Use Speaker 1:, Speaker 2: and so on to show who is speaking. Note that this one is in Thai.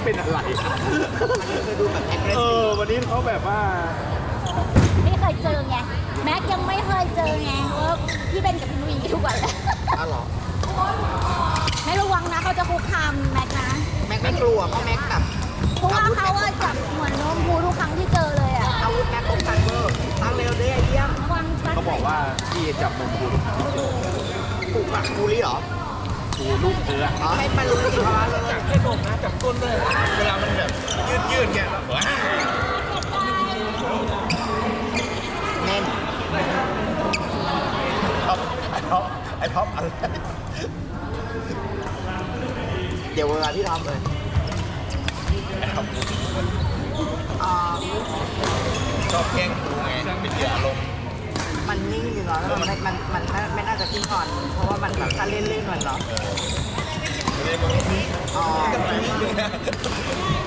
Speaker 1: เป็นอะไร
Speaker 2: มันเคยดูแบบแอคทีฟ
Speaker 1: วันนี้เขาแบบว่า
Speaker 3: ไม่เคยเจอไงแม็กยังไม่เคยเจอไงว่าพี่เบนกับพี่นุ้ยอย่างนี้ทุกวันเลย
Speaker 2: อ้าวเหรอ
Speaker 3: ไม่ระวังนะเขาจะคุกคามแม็กนะ
Speaker 2: แม็กไม่กลัวเพราะแม็กแบบ
Speaker 3: เพราะว่าเขาอะจับเหมือนโน้มพูทุกครั้งที่เจอเลยอะ
Speaker 2: อาวุธแม็กคงทันเวอร์ตั้งเร็วได้ไอเยี่ยม
Speaker 3: ระวังตั้ง
Speaker 1: เขาบอกว่าพี่จับนมคุณ
Speaker 2: ปลูกหมักบูลลี่เหรอ
Speaker 1: กูลูกเธอ
Speaker 2: อ๋อให้มันรู้สิว่าเลย
Speaker 4: จับแค่นมนะจับก้นด้วยเวลามันแบบยืดเนี่ยว้า
Speaker 2: แน่น
Speaker 4: ไอ้ท็อปอะไร
Speaker 2: เดี๋ยวเวลาพี่ทำเลยอ่า
Speaker 4: ชอบแกล้งกูไงเป็นเหยื่ออารมณ์
Speaker 2: มันนิ่งอยู่เนาะแล้วมันไม่น่าจะขึ้นก่อน เพราะว่ามันแบบถ้าเล่นๆหน่อยเนาะ
Speaker 4: ไม่ได้มึง
Speaker 2: อ๋อ
Speaker 4: กับกูนี่เลย